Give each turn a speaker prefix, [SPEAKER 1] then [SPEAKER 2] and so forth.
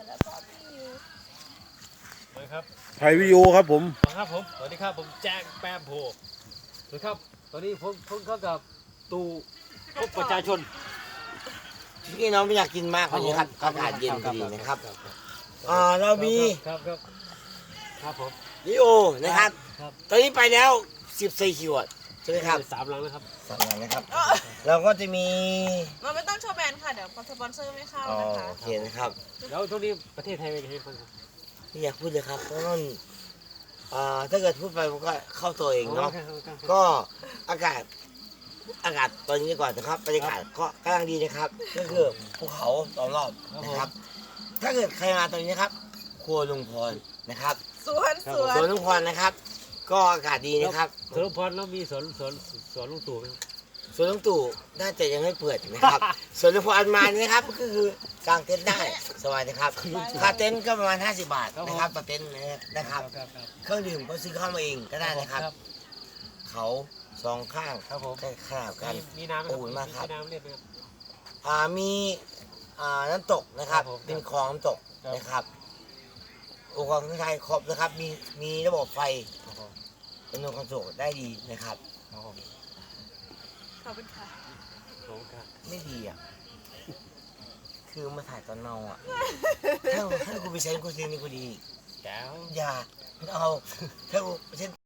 [SPEAKER 1] แล้วก็พี่ยู
[SPEAKER 2] นะครับ
[SPEAKER 3] ถ่ายวิดีโอครับผม
[SPEAKER 2] ครับผมสวัสดีครับผมแจ้งแปมโพสวัสดีครับตอนนี้ผมเข้ากับตูพบประชาชน
[SPEAKER 4] พี่น้องไม่อยากกินมากวันนี้ครับอากาศเย็นพอดีนะครับเรามี
[SPEAKER 2] ครับผม
[SPEAKER 4] ลิโอนะครับ
[SPEAKER 2] ครับ
[SPEAKER 4] ตอนนี้ไปแล้ว14ขวดใช่ไหมครับ
[SPEAKER 2] 3 หลังนะครับ
[SPEAKER 4] สำหรับนะครับ เราก็จะมี
[SPEAKER 1] เราไม่ต้องโชว์แบรนด์ค่ะ เดี๋ยวสปอนเซอร์ไม่เข้านะคะ
[SPEAKER 4] โอเคนะครับ
[SPEAKER 2] แล้วช่วงนี้ประเทศไทยเป็นยังไงบ้างครับ
[SPEAKER 4] ไม่อยากพูดเลยครับเพราะมันถ้าเกิดพูดไปมันก็เข้าตัวเองเนาะ ก็อากาศตอนนี้ก่อนนะครับบรรยากาศก็กำลังดีนะครับ ก็คือภูเขาล้อมรอบนะครับ ถ้าเกิดใครมาตอนนี้นะครับครัวลุงพรนะครับ
[SPEAKER 1] สวนสวน
[SPEAKER 4] สวนลุงพรนะครับ ก็อากาศดีนะครับ
[SPEAKER 2] สวนลุงพรแล้วมีสวนลุงตู่ไหมครับ
[SPEAKER 4] สวนลุงตู่น่าจะยังไม่เปิดนะครับ สวนลุงพรมานี่นะครับก็คือกางเต็นท์ได้สบายนะครับค่าเต็นท์ก็ประมาณ50 บาทนะครับต่อเต็นท์นะครับ เครื่องดื่มก็ซื้อเข้ามาเองก็ได้นะครับ เขาสองข้าง
[SPEAKER 2] ครับผม
[SPEAKER 4] ใกล้ขนาดกัน
[SPEAKER 2] มีน้ำไหม
[SPEAKER 4] อบอุ่นมากครับ
[SPEAKER 2] มีน้ำเรียบไหมครับ
[SPEAKER 4] มีน้ำตกนะครับ
[SPEAKER 2] ครับผม
[SPEAKER 4] เป็นคลองน้ำตก
[SPEAKER 2] ครับ
[SPEAKER 4] นะครับอุปกรณ์เครื่องใช้ครบนะครับ มีระบบไฟ
[SPEAKER 2] ครับผม
[SPEAKER 4] เป็นระบบคอนโทรลได้ดีนะครับ
[SPEAKER 2] ครับผม
[SPEAKER 1] ขอบคุณค่ะ
[SPEAKER 2] ขอบคุณครับ
[SPEAKER 4] ไม่ดีอ่ะ คือมาถ่ายตอนเมาอ่ะ ถ้ากูไปใช้กูซีนี่กูดี
[SPEAKER 2] แก้ว
[SPEAKER 4] อย่าไม่เอาถ้ากูเช่น